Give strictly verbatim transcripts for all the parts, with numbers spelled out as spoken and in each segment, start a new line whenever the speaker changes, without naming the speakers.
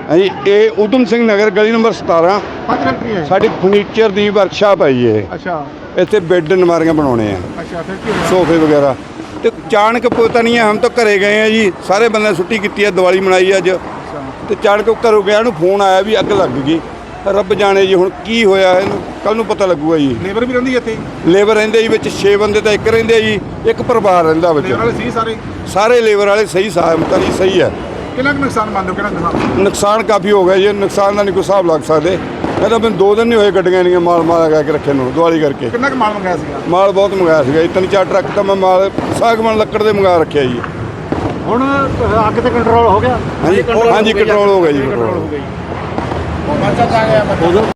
हाँ जी, ये उधम सिंह नगर गली नंबर सतारह
पंज फैक्ट्री है।
साड़ी फर्नीचर की वर्कशाप है जी।
अच्छा
इतने बेड अलमारियां बनाने हैं,
अच्छा फिर की होया?
सोफे वगैरह। तो अचानक पता नहीं है, हम तो घरे गए हैं जी, सारे बंदे छुट्टी की है, दिवाली मनाई अज।
अच्छा
तो अचानक घरों गया फोन आया भी अग लग गई। रब जाने जी हुण की होया है, कल नूं पता लगूगा जी।
लेबर भी रहिंदी इत्थे?
लेबर रहिंदे जी, विच छे बंदे तो एक रहिंदे जी, एक परिवार रहिंदा विच।
लेबर वाले सी सारे?
सारे लेबर वाले सही साहब जी, सही है।
कितना कुछ नुकसान मानते हो? कितना नुकसान?
नुकसान काफ़ी हो गया जी, नुकसान का नहीं कोई हिसाब लग सकते। मैं तो मैंने दो दिन नहीं होए गड्डियां नहीं माल माल लगा के रखे नूं दिवाली करके।
कितना कुछ माल मंगाया सीगा?
माल बहुत मंगाया सीगा जी, तीन चार ट्रक तो मैं माल सागवान लकड़ दे मंगा रखे जी।
ਹੁਣ ਅੱਗ ਤੇ ਕੰਟਰੋਲ ਹੋ ਗਿਆ?
हाँ जी हाँ जी कंट्रोल हो गया जी, कंट्रोल
ਹੋ ਗਈ। ਬੱਚਾ ਆ ਗਿਆ ਉਦੋਂ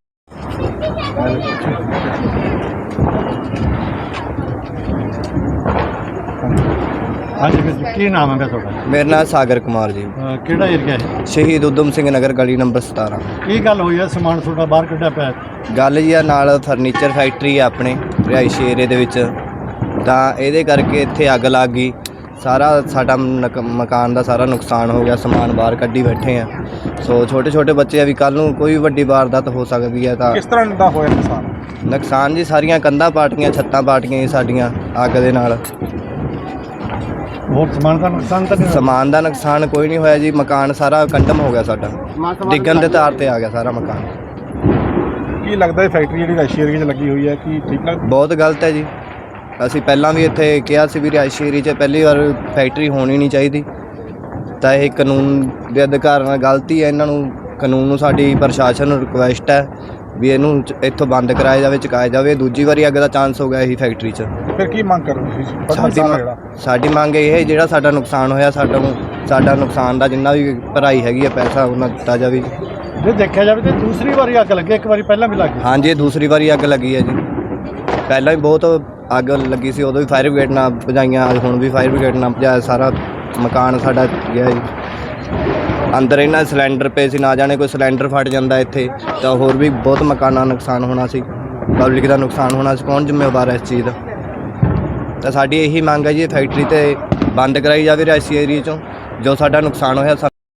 ਹਾਂਜੀ ਵੀਰ ਕੀ ਨਾਮ ਹੈ ਤੁਹਾਡਾ?
ਮੇਰਾ ਨਾਮ ਸਾਗਰ ਕੁਮਾਰ ਜੀ।
ਅਹ ਕਿਹੜਾ ਏਰੀਆ ਹੈ?
ਸ਼ਹੀਦ ਉਦਮ ਸਿੰਘ ਨਗਰ ਗਲੀ ਨੰਬਰ ਸਤਾਰਾਂ।
ਕੀ ਗੱਲ ਹੋਈ ਹੈ? ਸਮਾਨ ਤੁਹਾਡਾ ਬਾਹਰ ਕੱਢਿਆ ਪਿਆ?
ਗੱਲ ਜੀ ਆ ਨਾਲ ਫਰਨੀਚਰ ਫੈਕਟਰੀ ਆ ਆਪਣੇ ਰਿਹਾਇਸ਼ੀ ਏਰੀਏ ਦੇ ਵਿੱਚ, ਤਾਂ ਇਹਦੇ ਕਰਕੇ ਇੱਥੇ ਅੱਗ ਲੱਗ ਗਈ। ਸਾਰਾ ਸਾਡਾ ਨਕ- ਮਕਾਨ ਦਾ ਸਾਰਾ ਨੁਕਸਾਨ ਹੋ ਗਿਆ, ਸਮਾਨ ਬਾਹਰ ਕੱਢੀ ਬੈਠੇ ਆ। ਸੋ ਛੋਟੇ ਛੋਟੇ ਬੱਚੇ ਆ ਵੀ ਕੱਲ੍ਹ ਨੂੰ ਕੋਈ ਵੱਡੀ ਵਾਰਦਾਤ ਹੋ ਸਕਦੀ ਹੈ। ਤਾਂ
ਕਿਸ ਤਰ੍ਹਾਂ ਦਾ ਹੋਇਆ ਨੁਕਸਾਨ?
ਨੁਕਸਾਨ ਜੀ ਸਾਰੀਆਂ ਕੰਧਾਂ ਪਾਟੀਆਂ, ਛੱਤਾਂ ਪਾਟੀਆਂ ਜੀ ਸਾਡੀਆਂ ਅੱਗ ਦੇ ਨਾਲ।
ਹੋਰ ਸਮਾਨ ਦਾ ਨੁਕਸਾਨ ਤਾਂ ਨਹੀਂ ਹੋਇਆ?
ਸਮਾਨ ਦਾ ਨੁਕਸਾਨ ਕੋਈ ਨਹੀਂ ਹੋਇਆ ਜੀ, ਮਕਾਨ ਸਾਰਾ ਕੰਡਮ ਹੋ ਗਿਆ ਸਾਡਾ, ਡਿੱਗਣ ਦੇ ਤਾਰ ਤੇ ਆ ਗਿਆ ਸਾਰਾ ਮਕਾਨ।
ਕੀ ਲੱਗਦਾ ਹੈ ਫੈਕਟਰੀ ਜਿਹੜੀ ਰਾਸ਼ੀ ਏਰੀਆ 'ਚ ਲੱਗੀ ਹੋਈ ਹੈ ਕੀ ਠੀਕ ਲੱਗਦਾ?
ਬਹੁਤ ਗਲਤ ਹੈ ਜੀ। ਅਸੀਂ ਪਹਿਲਾਂ ਵੀ ਇੱਥੇ ਕਿਹਾ ਸੀ ਵੀ ਰਿਹਾਇਸ਼ੀ ਏਰੀਏ 'ਚ ਪਹਿਲੀ ਵਾਰ ਫੈਕਟਰੀ ਹੋਣੀ ਨਹੀਂ ਚਾਹੀਦੀ, ਤਾਂ ਇਹ ਕਾਨੂੰਨ ਦੇ ਅਧਿਕਾਰ ਨਾਲ ਗਲਤੀ ਹੈ। ਇਹਨਾਂ ਨੂੰ ਕਾਨੂੰਨ ਨੂੰ ਸਾਡੀ ਪ੍ਰਸ਼ਾਸਨ ਨੂੰ ਰਿਕੁਐਸਟ ਹੈ ਵੀ ਇਹਨੂੰ ਚ- ਇੱਥੋਂ ਬੰਦ ਕਰਾਇਆ ਜਾਵੇ, ਚੁਕਾਇਆ ਜਾਵੇ। ਦੂਜੀ ਵਾਰੀ ਅੱਗ ਦਾ ਚਾਂਸ ਹੋ ਗਿਆ ਇਹੀ ਫੈਕਟਰੀ 'ਚ।
ਫਿਰ ਕੀ ਮੰਗ ਕਰ ਰਹੇ ਹੋ?
ਸਾਡੀ
ਜਿਹੜਾ
ਸਾਡੀ ਮੰਗ ਇਹ ਹੈ ਜਿਹੜਾ ਸਾਡਾ ਨੁਕਸਾਨ ਹੋਇਆ, ਸਾਡਾ ਨੂੰ ਸਾਡਾ ਨੁਕਸਾਨ ਦਾ ਜਿੰਨਾ ਵੀ ਭਰਾਈ ਹੈਗੀ ਹੈ ਪੈਸਾ ਉਹਨਾਂ ਦਿੱਤਾ ਜਾਵੇ।
ਜੇ ਦੇਖਿਆ ਜਾਵੇ ਤਾਂ ਦੂਸਰੀ ਵਾਰੀ ਅੱਗ ਲੱਗੀ, ਇੱਕ ਵਾਰੀ ਪਹਿਲਾਂ ਵੀ ਲੱਗੀ।
ਹਾਂਜੀ, ਇਹ ਦੂਸਰੀ ਵਾਰੀ ਅੱਗ ਲੱਗੀ ਹੈ ਜੀ। ਪਹਿਲਾਂ ਵੀ ਬਹੁਤ ਅੱਗ ਲੱਗੀ ਸੀ, ਉਦੋਂ ਵੀ ਫਾਇਰ ਬ੍ਰਿਗੇਡ ਨਾਲ ਭਜਾਈਆਂ, ਹੁਣ ਵੀ ਫਾਇਰ ਬ੍ਰਿਗੇਡ ਨਾਲ ਭਜਾਇਆ। ਸਾਰਾ ਮਕਾਨ ਸਾਡਾ ਗਿਆ ਜੀ। ਅੰਦਰ ਇਹਨਾਂ ਸਿਲੰਡਰ ਪਏ ਸੀ, ਨਾ ਜਾਣੇ ਕੋਈ ਸਿਲੰਡਰ ਫਟ ਜਾਂਦਾ ਇੱਥੇ ਤਾਂ ਹੋਰ ਵੀ ਬਹੁਤ ਮਕਾਨਾਂ ਦਾ ਨੁਕਸਾਨ ਹੋਣਾ ਸੀ, ਪਬਲਿਕ ਦਾ ਨੁਕਸਾਨ ਹੋਣਾ ਸੀ। ਕੌਣ ਜ਼ਿੰਮੇਵਾਰ ਹੈ ਇਸ ਚੀਜ਼ ਦਾ? ਤਾਂ ਸਾਡੀ ਇਹੀ ਮੰਗ ਹੈ ਜੀ, ਇਹ ਫੈਕਟਰੀ ਤੇ ਬੰਦ ਕਰਾਈ ਜਾਵੇ ਰਿਹਾਇਸ਼ੀ ਏਰੀਏ 'ਚੋਂ, ਜੋ ਸਾਡਾ ਨੁਕਸਾਨ ਹੋਇਆ।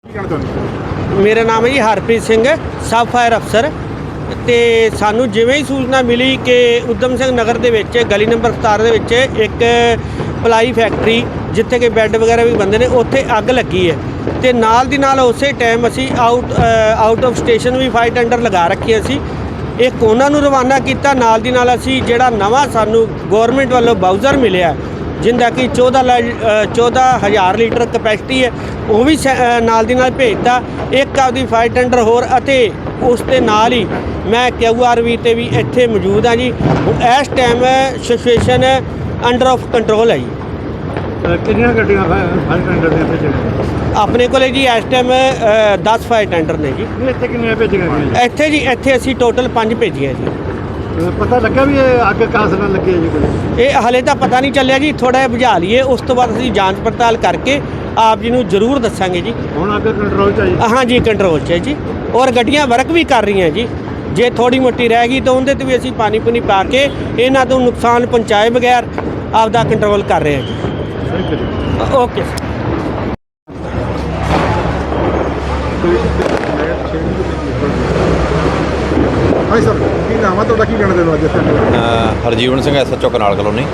ਮੇਰਾ ਨਾਮ ਹੈ ਜੀ ਹਰਪ੍ਰੀਤ ਸਿੰਘ, ਸਬ ਫਾਇਰ ਅਫਸਰ। ਤੇ ਸਾਨੂੰ ਜਿਵੇਂ ਹੀ ਸੂਚਨਾ ਮਿਲੀ ਕਿ ਉਦਮ ਸਿੰਘ ਨਗਰ ਦੇ ਵਿੱਚ ਗਲੀ ਨੰਬਰ ਸਤਾਰਾਂ ਦੇ ਵਿੱਚ ਇੱਕ ਪਲਾਈ ਫੈਕਟਰੀ ਜਿੱਥੇ ਕਿ ਬੈੱਡ ਵਗੈਰਾ ਵੀ ਬੰਦੇ ਨੇ, ਉੱਥੇ ਅੱਗ ਲੱਗੀ ਹੈ। ਤੇ ਨਾਲ ਦੀ ਨਾਲ ਉਸੇ ਟਾਈਮ ਅਸੀਂ ਆਊਟ ਆਊਟ ਆਫ ਸਟੇਸ਼ਨ ਵੀ ਫਾਇਰ ਟੈਂਡਰ ਲਗਾ ਰੱਖੇ ਸੀ। ਇੱਕ ਉਹਨਾਂ ਨੂੰ ਰਵਾਨਾ ਕੀਤਾ, ਨਾਲ ਦੀ ਨਾਲ ਅਸੀਂ ਜਿਹੜਾ ਨਵਾਂ ਸਾਨੂੰ ਗੌਰਮੈਂਟ ਵੱਲੋਂ ਬਾਊਜ਼ਰ ਮਿਲਿਆ ਜਿੰਦਾ ਕਿ ਚੌਦਾਂ ਚੌਦਾਂ ਹਜ਼ਾਰ ਲੀਟਰ ਕਪੈਸਿਟੀ ਹੈ, ਉਹ ਵੀ ਨਾਲ ਦੀ ਨਾਲ ਭੇਜਤਾ। ਇੱਕ ਆਪਦੀ ਫਾਇਰ ਟੈਂਡਰ ਹੋਰ, ਅਤੇ ਉਸ ਦੇ ਨਾਲ ਹੀ ਮੈਂ ਕਿਊ ਆਰ ਵੀ 'ਤੇ ਵੀ ਇੱਥੇ ਮੌਜੂਦ ਹਾਂ ਜੀ। ਇਸ time situation under of control ਹੈ ਜੀ।
ਕਿੰਨੀਆਂ ਗੱਡੀਆਂ ਫਾਇਰ ਟੈਂਡਰ ਦੇ ਇੱਥੇ?
ਆਪਣੇ ਕੋਲੇ ਜੀ ਇਸ ਟਾਈਮ ਦਸ ਫਾਇਰ ਟੈਂਡਰ ਨੇ ਜੀ।
ਇੱਥੇ ਕਿੰਨੀਆਂ ਭੇਜੀਆਂ ਗਈਆਂ?
ਇੱਥੇ ਜੀ ਇੱਥੇ ਅਸੀਂ ਟੋਟਲ ਪੰਜ ਭੇਜੀਆਂ ਜੀ।
ਪਤਾ ਲੱਗਾ ਵੀ ਇਹ ਅੱਗ ਕਾਸ ਨਾਲ ਲੱਗੀ ਹੈ ਜੀ ਕੋਈ?
ਇਹ ਹਲੇ ਤਾਂ ਪਤਾ ਨਹੀਂ ਚੱਲਿਆ ਜੀ, ਥੋੜ੍ਹਾ ਜਿਹਾ ਬੁਝਾ ਲਈਏ, ਉਸ ਤੋਂ ਬਾਅਦ ਅਸੀਂ ਜਾਂਚ ਪੜਤਾਲ ਕਰਕੇ ਆਪ ਜੀ ਨੂੰ ਜ਼ਰੂਰ ਦੱਸਾਂਗੇ ਜੀ।
ਹੁਣ ਅੱਗ ਕੰਟਰੋਲ 'ਚ ਆਈ?
ਹਾਂ ਜੀ, ਕੰਟਰੋਲ 'ਚ ਹੈ ਜੀ, ਔਰ ਗੱਡੀਆਂ ਵਰਕ ਵੀ ਕਰ ਰਹੀਆਂ ਜੀ। ਜੇ ਥੋੜੀ ਮੋਟੀ ਰਹਿ ਗਈ ਤਾਂ ਉਹਦੇ 'ਤੇ ਵੀ ਅਸੀਂ ਪਾਣੀ ਪੁਣੀ ਪਾ ਕੇ ਇਹਨਾਂ ਤੋਂ ਨੁਕਸਾਨ ਪਹੁੰਚਾਏ ਬਗੈਰ ਆਪਦਾ ਕੰਟਰੋਲ ਕਰ ਰਹੇ ਹਾਂ ਜੀ। Okay sir.
ਹਾਂਜੀ ਸਰ, ਕੀ ਨਾਮ ਆ ਤੁਹਾਡਾ? ਕੀ ਕਹਿਣਾ ਚਾਹੁੰਦੇ ਹੋ ਅੱਜ ਇੱਥੇ?
Harjeevan Singh, S H O canal colony.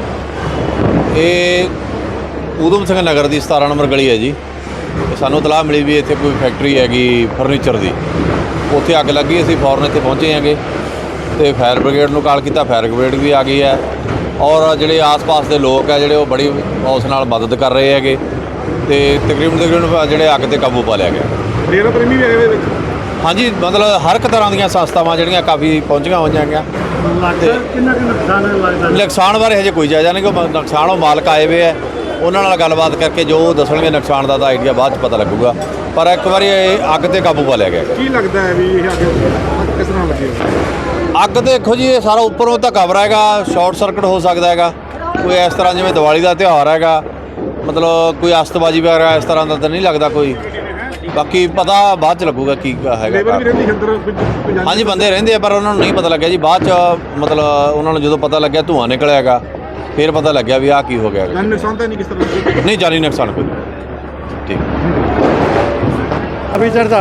ਇਹ ਊਧਮ ਸਿੰਘ ਨਗਰ ਦੀ ਸਤਾਰਾਂ ਨੰਬਰ ਗਲੀ ਹੈ ਜੀ। ਸਾਨੂੰ ਇਤਲਾਹ ਮਿਲੀ ਵੀ ਇੱਥੇ ਕੋਈ ਫੈਕਟਰੀ ਹੈਗੀ ਫਰਨੀਚਰ ਦੀ, ਉੱਥੇ ਅੱਗ ਲੱਗੀ। ਅਸੀਂ ਫੌਰਨ ਇੱਥੇ ਪਹੁੰਚੇ ਹੈਗੇ ਅਤੇ ਫਾਇਰ ਬ੍ਰਿਗੇਡ ਨੂੰ ਕਾਲ ਕੀਤਾ, ਫਾਇਰ ਬ੍ਰਿਗੇਡ ਵੀ ਆ ਗਈ ਹੈ। ਔਰ ਜਿਹੜੇ ਆਸ-ਪਾਸ ਦੇ ਲੋਕ ਹੈ ਜਿਹੜੇ ਉਹ ਬੜੀ ਉਸ ਨਾਲ ਮਦਦ ਕਰ ਰਹੇ ਹੈਗੇ, ਅਤੇ ਤਕਰੀਬਨ ਤਕਰੀਬਨ ਜਿਹੜੇ ਅੱਗ 'ਤੇ ਕਾਬੂ ਪਾ ਲਿਆ ਗਿਆ।
ਡੇਰਾ ਪ੍ਰੇਮੀ ਵੀ ਹੈਗੇ ਇਹਦੇ ਵਿੱਚ?
ਹਾਂਜੀ, ਮਤਲਬ ਹਰ ਇੱਕ ਤਰ੍ਹਾਂ ਦੀਆਂ ਸੰਸਥਾਵਾਂ ਜਿਹੜੀਆਂ ਕਾਫੀ ਪਹੁੰਚੀਆਂ ਹੋਈਆਂ ਹੈਗੀਆਂ।
ਲੱਗਦਾ ਕਿੰਨਾ ਕੁ ਨੁਕਸਾਨ ਲੱਗਦਾ?
ਨੁਕਸਾਨ ਬਾਰੇ ਹਜੇ ਕੋਈ ਜਾਇਜ਼ਾ ਨਹੀਂ, ਕਿ ਨੁਕਸਾਨ ਉਹ ਮਾਲਕ ਆਏ ਹੋਏ ਹੈ, ਉਹਨਾਂ ਨਾਲ ਗੱਲਬਾਤ ਕਰਕੇ ਜੋ ਦੱਸਣਗੇ ਨੁਕਸਾਨ ਦਾ ਤਾਂ ਆਈਡੀਆ ਬਾਅਦ 'ਚ ਪਤਾ ਲੱਗੂਗਾ। ਪਰ ਇੱਕ ਵਾਰੀ ਇਹ ਅੱਗ 'ਤੇ ਕਾਬੂ ਪਾ ਲਿਆ ਗਿਆ।
ਕੀ ਲੱਗਦਾ ਹੈ ਵੀ ਇਹ ਅੱਗ ਕਿਸ ਤਰ੍ਹਾਂ ਲੱਗੀ?
ਅੱਗ ਦੇਖੋ ਜੀ, ਇਹ ਸਾਰਾ ਉੱਪਰੋਂ ਤਾਂ ਕਵਰ ਹੈਗਾ, ਸ਼ਾਰਟ ਸਰਕਟ ਹੋ ਸਕਦਾ ਹੈਗਾ ਕੋਈ, ਇਸ ਤਰ੍ਹਾਂ ਜਿਵੇਂ ਦੀਵਾਲੀ ਦਾ ਤਿਉਹਾਰ ਹੈਗਾ, ਮਤਲਬ ਕੋਈ ਅਸਤਬਾਜੀ ਵਗੈਰਾ ਇਸ ਤਰ੍ਹਾਂ ਦਾ ਤਾਂ ਨਹੀਂ ਲੱਗਦਾ ਕੋਈ। ਬਾਕੀ ਪਤਾ ਬਾਅਦ 'ਚ ਲੱਗੂਗਾ ਕੀ ਹੈਗਾ।
ਲੇਬਰ ਵੀ ਰਹਿੰਦੀ ਅੰਦਰ?
ਹਾਂਜੀ, ਬੰਦੇ ਰਹਿੰਦੇ ਆ, ਪਰ ਉਹਨਾਂ ਨੂੰ ਨਹੀਂ ਪਤਾ ਲੱਗਿਆ ਜੀ। ਬਾਅਦ 'ਚ ਮਤਲਬ ਉਹਨਾਂ ਨੂੰ ਜਦੋਂ ਪਤਾ ਲੱਗਿਆ ਧੂੰਆਂ ਨਿਕਲਿਆ ਹੈਗਾ, ਫਿਰ ਪਤਾ ਲੱਗਿਆ ਵੀ ਆਹ ਕੀ ਹੋ ਗਿਆ।
ਜਾਨੀ ਨੁਕਸਾਨ ਤਾਂ ਨਹੀਂ ਕਿਸ ਤਰ੍ਹਾਂ?
ਨਹੀਂ, ਜਾਨੀ ਨੁਕਸਾਨ ਕੋਈ। ਠੀਕ।
ਅਭੀ ਚੜਦਾ